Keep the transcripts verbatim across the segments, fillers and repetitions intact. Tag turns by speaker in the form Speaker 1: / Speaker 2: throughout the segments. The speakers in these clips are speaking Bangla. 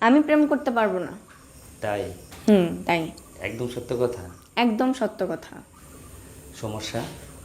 Speaker 1: আমি প্রেম করতে পারবো না।
Speaker 2: তাই?
Speaker 1: হুম, তাই।
Speaker 2: একদম সত্য কথা।
Speaker 1: একদম সত্য কথা।
Speaker 2: সমস্যা?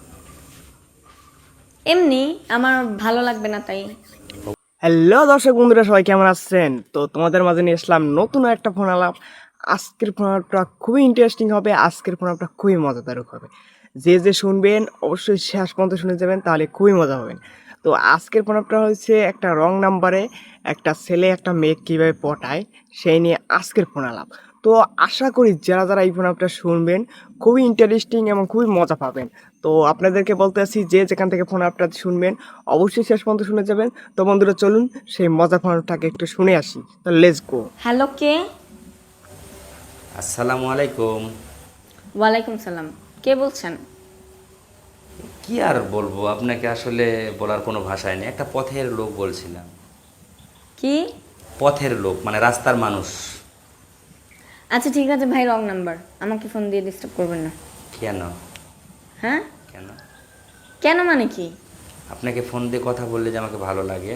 Speaker 1: এমনি আমার ভালো লাগবে না তাই।
Speaker 3: হ্যালো দর্শক বন্ধুরা, সবাই কেমন আছেন? তো তোমাদের মাঝে নিয়ে আসলাম নতুন একটা ফোন আলাপ। আজকের ফোন আলাপটা খুবই ইন্টারেস্টিং হবে, আজকের ফোন আলাপটা খুবই মজাদারক হবে। যে যে শুনবেন অবশ্যই শেষ পর্যন্ত শুনে যাবেন, তাহলে খুবই মজা হবেন। তো আজকের ফোন আলাপটা হচ্ছে একটা রং নাম্বারে একটা ছেলে একটা মেয়ে কীভাবে পটায় সেই নিয়ে আজকের ফোন আলাপ। তো আশা করি যারা যারা এই ফোন আলাপটা শুনবেন খুবই ইন্টারেস্টিং এবং খুবই মজা পাবেন। তো আপনাদেরকে বলতে আছি, যে যেখান থেকে ফোন আলাপটা শুনবেন অবশ্যই শেষ পর্যন্ত শুনে যাবেন। তো বন্ধুরা চলুন সেই মজা ফোনটাকে একটু শুনে আসি। তো লেটস গো।
Speaker 1: হ্যালো, কে?
Speaker 2: আসসালামু আলাইকুম।
Speaker 1: ওয়ালাইকুম সালাম। কে বলছেন?
Speaker 2: কি আর বলবো আপনাকে, আসলে বলার কোনো ভাষাই নেই। একটা পথের লোক বলছিলাম।
Speaker 1: কি?
Speaker 2: পথের লোক মানে রাস্তার মানুষ।
Speaker 1: আচ্ছা ঠিক আছে ভাই, রং নাম্বার। আমাকে ফোন দিয়ে ডিস্টার্ব করবেন না।
Speaker 2: কেন?
Speaker 1: হ্যাঁ?
Speaker 2: কেন?
Speaker 1: কেন মানে কি?
Speaker 2: আপনাকে ফোন দিয়ে কথা বললে যে আমাকে ভালো লাগে।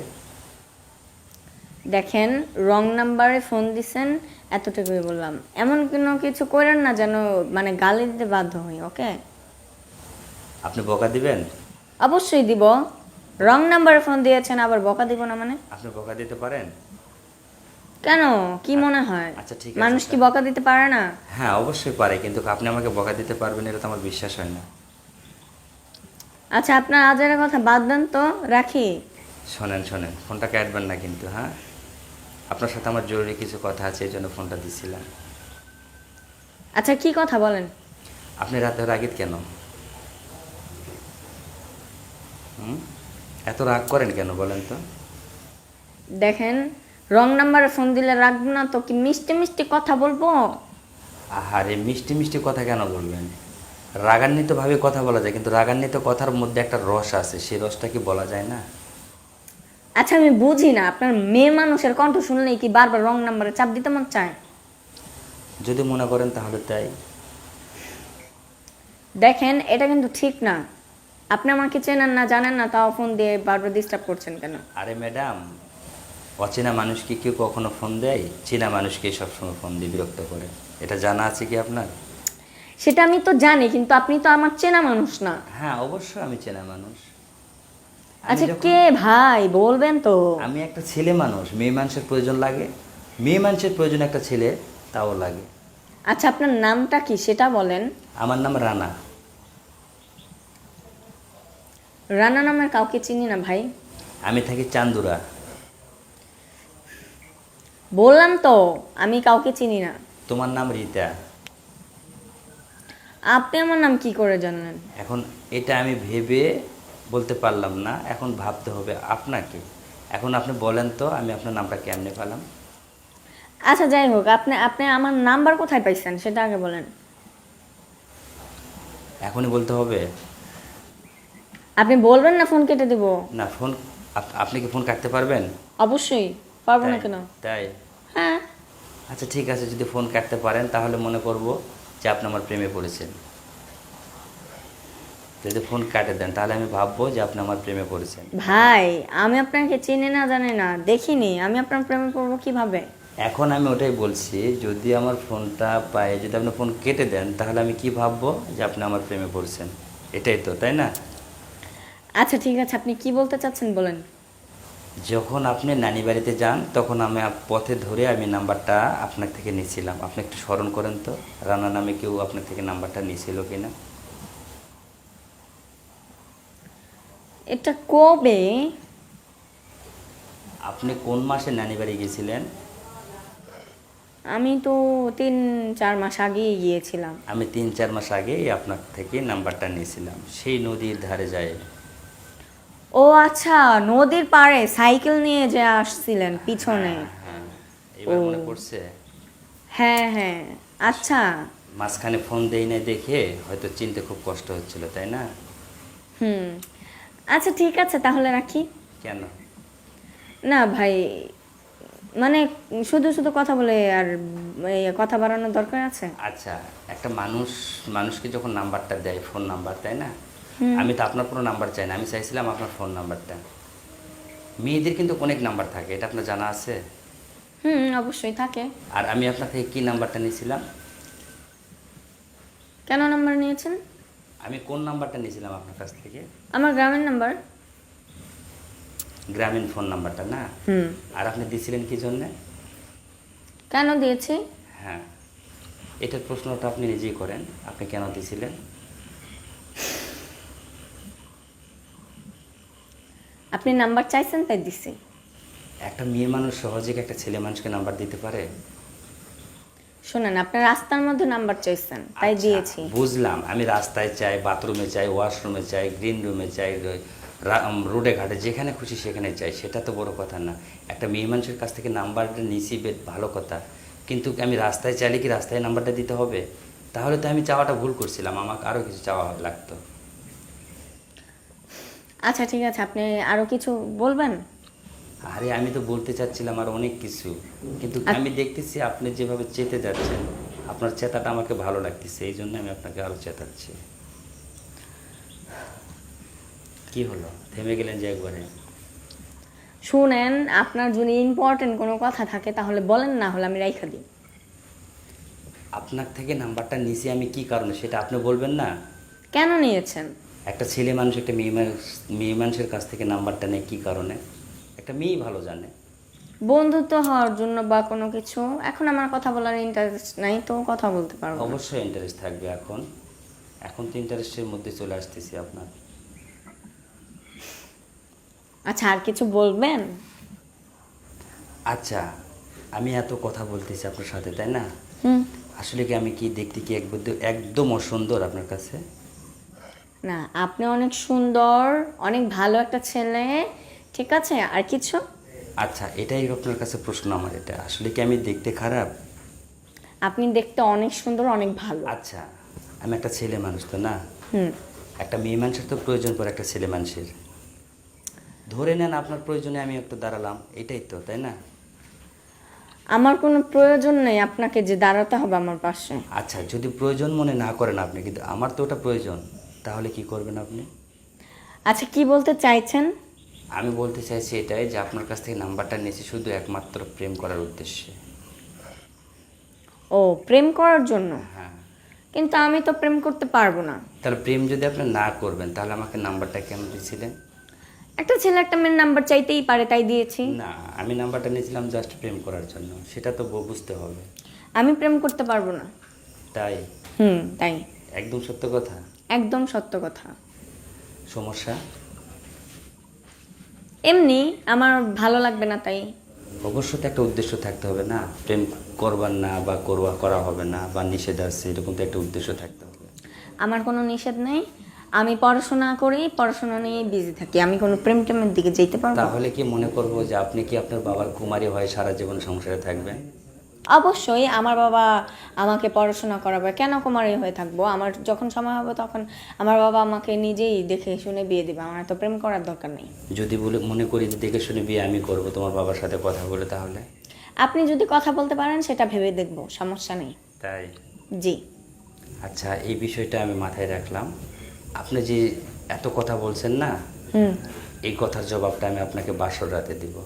Speaker 1: দেখেন, রং নাম্বারে ফোন দিছেন, এতটুকুই বললাম। এমন কোনো কিছু করেন না যেন মানে গালি দিতে বাধ্য হই, ওকে?
Speaker 2: আপনি বকা দিবেন?
Speaker 1: অবশ্যই দিব। রং নাম্বারে ফোন দিয়েছেন, আবার বকা দিব না মানে?
Speaker 2: আপনি বকা দিতে পারেন?
Speaker 1: কেন? কি মনে হয়
Speaker 2: আচ্ছা, ঠিক আছে,
Speaker 1: মানুষ কি
Speaker 2: স্যার।
Speaker 1: বকা দিতে পারে না?
Speaker 2: হ্যাঁ, অবশ্যই পারে, কিন্তু আপনি আমাকে বকা দিতে পারবেন এটা তো আমার বিশ্বাস হয় না।
Speaker 1: আচ্ছা, আপনার আজের কথা বাদ দেন তো, রাখি।
Speaker 2: শোনেন শোনেন, ফোনটা কাটবেন না কিন্তু, হ্যাঁ? আপনার সাথে আমার জরুরি কিছু কথা আছে, এই জন্য ফোনটা দিছিলাম।
Speaker 1: আচ্ছা, কি কথা বলেন?
Speaker 2: আপনি রাতে রাগিত কেন? হুম? এত রাগ করেন কেন বলেন তো?
Speaker 1: দেখেন, রং নাম্বারে ফোন দিলে রাখবো না তো কি মিষ্টি মিষ্টি কথা বলবো?
Speaker 2: আহারে, মিষ্টি মিষ্টি কথা কেন বলবেন? রাগান্বিতভাবে কথা বলা যায়, কিন্তু রাগান্বিত কথার মধ্যে একটা রস আছে, সেই রসটা কি বলা যায় না?
Speaker 1: আচ্ছা, আমি বুঝি না, আপনার মেয়ে মানুষের কণ্ঠ শুনলেই কি বারবার রং নাম্বারে চাপ দিতে মন চায়?
Speaker 2: যদি মনে করেন তাহলে তাই।
Speaker 1: দেখেন, এটা কিন্তু ঠিক না। আপনি আমাকে চেনেন না, জানেন না, তাও ফোন দিয়ে বারবার ডিস্টার্ব করছেন কেন?
Speaker 2: আরে ম্যাডাম, অচেনা মানুষকে কেউ কখনো ফোন দেয়? চেনা মানুষকে সবসময় ফোন দিয়ে বিরক্ত করে। এটা জানা আছে কি আপনার?
Speaker 1: সেটা আমি তো জানি, কিন্তু আপনি তো আমার চেনা মানুষ না।
Speaker 2: হ্যাঁ, অবশ্যই আমি চেনা মানুষ। আমি
Speaker 1: আচ্ছা,
Speaker 2: যখন
Speaker 1: কে ভাই বলবেন তো?
Speaker 2: আমি একটা ছেলে মানুষ, মেয়ে মানুষের প্রয়োজন লাগে। মেয়ে মানুষের প্রয়োজন একটা ছেলে, তাও লাগে।
Speaker 1: আচ্ছা, আপনার নামটা কি সেটা বলেন।
Speaker 2: আমার নাম রানা।
Speaker 1: রানা নামের কাউকে চিনি না ভাই।
Speaker 2: আমি থাকি চান্দুরা।
Speaker 1: বললাম তো, আমি কাউকে চিনি না।
Speaker 2: তোমার নাম রীতা।
Speaker 1: আপনি আমার নাম কি করে জানলেন?
Speaker 2: এখন এটা আমি ভেবে বলতে পারলাম না, এখন ভাবতে হবে আপনাকে। এখন আপনি বলেন তো, আমি আপনার নামটা কেমনে পেলাম?
Speaker 1: আচ্ছা যাই হোক, আপনি আপনি আমার নাম্বার কোথায় পাইছেন সেটা আগে বলেন।
Speaker 2: এখনই বলতে হবে?
Speaker 1: আপনি বলবেন না ফোন কেটে দিব?
Speaker 2: না, ফোন আপ- আপনি কি ফোন কাটতে পারবেন?
Speaker 1: অবশ্যই পারবো না
Speaker 2: তাই?
Speaker 1: কেন?
Speaker 2: তাই?
Speaker 1: হ্যাঁ।
Speaker 2: আচ্ছা ঠিক আছে, যদি ফোন কাটতে পারেন তাহলে মনে করব যে আপনি আমার প্রেমে পড়েছেন। যদি ফোন কাটে দেন তাহলে আমি ভাববো যে আপনি আমার প্রেমে পড়েছেন।
Speaker 1: ভাই, আমি আপনাকে চিনি না জানি না দেখিনি, আমি আপনার প্রেমে পড়বো কিভাবে?
Speaker 2: এখন আমি ওটাই বলছি, যদি আমার ফোনটা পাই, যদি আপনি ফোন কেটে দেন তাহলে আমি কি ভাববো যে আপনি আমার প্রেমে পড়েছেন। এটাই তো, তাই না?
Speaker 1: আচ্ছা ঠিক আছে, আপনি কি বলতে চাচ্ছেন বলেন।
Speaker 2: যখন আপনি নানি বাড়িতে যান তখন আমি আপ- পথে ধরে আমি নাম্বারটা আপনার থেকে নিয়েছিলাম। আপনি একটু স্মরণ করেন তো, রানা নামে কেউ আপনার থেকে নাম্বারটা নিয়েছিল কিনা?
Speaker 1: এটা কবে?
Speaker 2: আপনি কোন মাসে নানি বাড়ি গেছিলেন?
Speaker 1: আমি তো তিন চার মাস আগেই গিয়েছিলাম।
Speaker 2: আমি তিন চার মাস আগেই আপনার থেকে নাম্বারটা নিয়েছিলাম, সেই নদীর ধারে যায়।
Speaker 1: ও আচ্ছা, নদীর পাড়ে সাইকেল নিয়ে যে আসছিলেন পিছনে।
Speaker 2: হ্যাঁ হ্যাঁ, এবার
Speaker 1: ও।
Speaker 2: মনে পড়ছে।
Speaker 1: হ্যাঁ হ্যাঁ। আচ্ছা।
Speaker 2: মাঝখানে ফোন দেই না দেখে হয়তো চিনতে খুব কষ্ট হচ্ছিল, তাই না?
Speaker 1: হুম। আচ্ছা ঠিক আছে, তাহলে রাখি।
Speaker 2: কেন?
Speaker 1: না ভাই, মানে শুধু শুধু কথা বলে আর এই কথা বাড়ানোর দরকার আছে?
Speaker 2: আচ্ছা, একটা মানুষ মানুষকে যখন নাম্বারটা দেয়, ফোন নাম্বার, তাই না? আমি তো আপনার কোনো নাম্বার চাই না, আমি চাইছিলাম আপনার ফোন নাম্বারটা। মেয়েদের কিন্তু অনেক নাম্বার থাকে, এটা আপনার জানা আছে?
Speaker 1: হুম, অবশ্যই থাকে।
Speaker 2: আর আমি আপনার থেকে কি নাম্বারটা নিয়েছিলাম?
Speaker 1: কেন নাম্বার নিয়েছেন?
Speaker 2: আমি কোন নাম্বারটা নিয়েছিলাম আপনার কাছ থেকে?
Speaker 1: আমার গ্রামের নাম্বার।
Speaker 2: গ্রামীণ ফোন নাম্বারটা না?
Speaker 1: হুম।
Speaker 2: আর আপনি দিয়েছিলেন কি জন্যে?
Speaker 1: কেন দিয়েছি?
Speaker 2: হ্যাঁ, এটার প্রশ্নটা আপনি নিজেই করেন, আপনি কেন দিয়েছিলেন?
Speaker 1: আপনি নাম্বার চাইছেন তাই দিছি।
Speaker 2: একটা মেয়ে মানুষ সহজে কি একটা ছেলে মানুষকে নাম্বার দিতে পারে?
Speaker 1: শোনেন, আপনার রাস্তার মধ্যে নাম্বার চাইছেন তাই
Speaker 2: আচ্ছা,
Speaker 1: দিয়েছি।
Speaker 2: বুঝলাম। আমি রাস্তায় চাই, বাথরুমে চাই, ওয়াশরুমে চাই, গ্রিন রুমে চাই, রা- উম, রোডে ঘাটে যেখানে খুশি সেখানে চাই, সেটা তো বড় কথা না। একটা মেয়ে মানুষের কাছ থেকে নাম্বারটা নিছি, বেশ ভালো কথা, কিন্তু আমি রাস্তায় চাইলে কি রাস্তায় নাম্বারটা দিতে হবে? তাহলে তো আমি চাওয়াটা ভুল করছিলাম, আমাকে আরও কিছু চাওয়া লাগতো।
Speaker 1: আচ্ছা ঠিক আছে, আপনি আরো কিছু বলবেন?
Speaker 2: আরে আমি তো বলতে চাচ্ছিলাম আর অনেক কিছু, কিন্তু আমি দেখতেছি আপনি যেভাবে চেতে যাচ্ছেন, আপনার চেতাটা আমাকে ভালো লাগতেছে, এই জন্য আমি আপনাকে আরও চেতাচ্ছি। কি হলো, থেমে গেলেন যে একবারে?
Speaker 1: শুনেন, আপনার যদি ইম্পর্টেন্ট কোনো কথা থাকে তাহলে বলেন, না হলে আমি রাইখা দিই।
Speaker 2: আপনার থেকে নাম্বারটা নিছি আমি কি কারণে সেটা আপনি বলবেন না?
Speaker 1: কেন নিয়েছেন?
Speaker 2: একটা ছেলে মানুষ একটা মেয়ে মানুষ মেয়ে মানুষের কাছ থেকে নাম্বারটা নেয় কি কারণে? একটা মেয়েই ভালো জানে।
Speaker 1: বন্ধুত্ব হওয়ার জন্য বা কোনো কিছু। এখন আমার কথা বলার ইন্টারেস্ট নাই তো কথা বলতে পারবো না।
Speaker 2: অবশ্যই ইন্টারেস্ট থাকবে এখন, এখন তো ইন্টারেস্টের মধ্যে চলে আসতেছি আপনার।
Speaker 1: আচ্ছা, আর কিছু বলবেন?
Speaker 2: আচ্ছা, আমি এত কথা বলতেছি আপনার সাথে, তাই না?
Speaker 1: হুম।
Speaker 2: আসলে কি আমি কি দেখতে কি একদম একদম অসুন্দর আপনার কাছে?
Speaker 1: না, আপনি অনেক সুন্দর, অনেক ভালো একটা ছেলে, ঠিক আছে। আর কিছু?
Speaker 2: আচ্ছা, এটাই আপনার কাছে প্রশ্ন আমার, এটা আসলে কি আমি দেখতে খারাপ?
Speaker 1: আপনি দেখতে অনেক সুন্দর, অনেক ভালো।
Speaker 2: আচ্ছা, আমি একটা ছেলে মানুষ তো না?
Speaker 1: হুম।
Speaker 2: একটা মেয়ে মানুষের তো প্রয়োজন পড়ে একটা ছেলে মানুষের। ধরে নেন আপনার প্রয়োজনে আমি একটু দাঁড়ালাম, এটাই তো, তাই না?
Speaker 1: আমার কোনো প্রয়োজন নেই আপনাকে যে দাঁড়াতে হবে আমার পাশে।
Speaker 2: আচ্ছা, যদি প্রয়োজন মনে না করেন আপনি, কিন্তু আমার তো ওটা প্রয়োজন, তাহলে কি করবেন আপনি?
Speaker 1: আচ্ছা, কি বলতে চাইছেন?
Speaker 2: আমি বলতে চাইছি এটাই যে আপনার কাছ থেকে নাম্বারটা নিয়েছি শুধু একমাত্র প্রেম করার উদ্দেশ্যে।
Speaker 1: ও, প্রেম করার জন্য?
Speaker 2: হ্যাঁ।
Speaker 1: কিন্তু আমি তো প্রেম করতে পারবো না।
Speaker 2: তাহলে প্রেম যদি আপনি না করবেন তাহলে আমাকে নাম্বারটা কেন দিয়েছিলেন?
Speaker 1: একটা ছেলে একটা মেয়ের নাম্বার চাইতেই পারে, তাই দিয়েছি।
Speaker 2: না, আমি নাম্বারটা নিয়েছিলাম জাস্ট প্রেম করার জন্য, সেটা তো বু- বুঝতে হবে।
Speaker 1: আমি প্রেম করতে পারবো না।
Speaker 2: তাই?
Speaker 1: হুম, তাই।
Speaker 2: একদম সত্য কথা।
Speaker 1: একদম সত্য কথা।
Speaker 2: সমস্যা?
Speaker 1: এমনি আমার ভালো লাগবে না তাই।
Speaker 2: অবশ্যই তো একটা উদ্দেশ্য থাকতে হবে না, প্রেম করবার না বা করবা করা হবে না বা নিষেধ আছে, এরকম তো একটা উদ্দেশ্য থাকতে হবে।
Speaker 1: আমার কোনো নিষেধ নেই, আমি পড়াশোনা করি, পড়াশোনা নিয়ে বিজি থাকি, আমি কোনো প্রেম টেমের দিকে যেতে পারবো না।
Speaker 2: তাহলে কি মনে করবো যে আপনি কি আপনার বাবার কুমারী হয়ে সারা জীবন সংসারে থাকবেন?
Speaker 1: অবশ্যই আমার বাবা আমাকে পড়াশোনা করাবে, কেন কুমারী হয়ে থাকবো? আমার যখন সময় হবে তখন আমার বাবা আমাকে নিজেই দেখে শুনে বিয়ে দেবে, আমার তো প্রেম করার দরকার নেই।
Speaker 2: যদি বলে মনে করি যে দেখে শুনে বিয়ে আমি করব তোমার বাবার সাথে কথা বলে, তাহলে?
Speaker 1: আপনি যদি কথা বলতে পারেন সেটা ভেবে দেখবো, সমস্যা নেই।
Speaker 2: তাই?
Speaker 1: জি।
Speaker 2: আচ্ছা, এই বিষয়টা আমি মাথায় রাখলাম। আপনি যে এত কথা বলছেন না,
Speaker 1: হুম।
Speaker 2: এই কথার জবাবটা আমি আপনাকে বাসর রাতে দিব।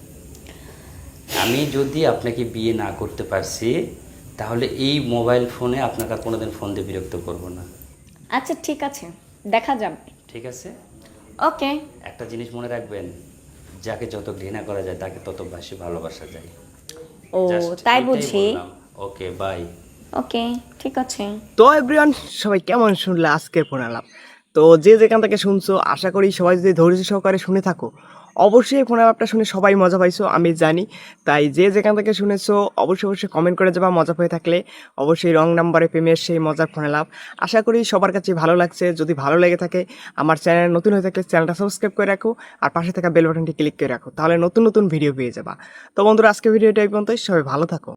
Speaker 2: আমি যদি আপনাকে বিয়ে না করতে পারছি তাহলে এই মোবাইল ফোনে আপনাকে আর কোনোদিন ফোন দিয়ে বিরক্ত করব না।
Speaker 1: আচ্ছা ঠিক আছে, দেখা যাবে।
Speaker 2: ঠিক আছে?
Speaker 1: ওকে।
Speaker 2: একটা জিনিস মনে রাখবেন, যাকে যত ঘৃণা করা যায় তাকে তত বেশি ভালোবাসা যায়।
Speaker 1: ও, তাই বুঝি।
Speaker 2: ওকে, বাই।
Speaker 1: ওকে, ঠিক আছে।
Speaker 3: তো এভরিওয়ান, সবাই কেমন শুনলে আজকের ফোন আলাপ? তো যে যেখান থেকে শুনছো, আশা করি সবাই যদি ধৈর্য সহকারে শুনে থাকো, অবশ্যই ফোন আলাপটা শুনে সবাই মজা পাইছো, আমি জানি। তাই যে যেখান থেকে শুনেছো অবশ্যই অবশ্যই কমেন্ট করে যাবা মজা পেয়ে থাকলে। অবশ্যই রং নাম্বারে প্রেমের সেই মজার ফোন আলাপ আশা করি সবার কাছে ভালো লাগছে। যদি ভালো লেগে থাকে, আমার চ্যানেল নতুন হয়ে থাকলে চ্যানেলটা সাবস্ক্রাইব করে রাখো আর পাশে থাকা বেল বাটনটি ক্লিক করে রাখো, তাহলে নতুন নতুন ভিডিও পেয়ে যাবা। তো বন্ধুরা, আজকে ভিডিওটা এই পর্যন্তই, সবাই ভালো থাকো।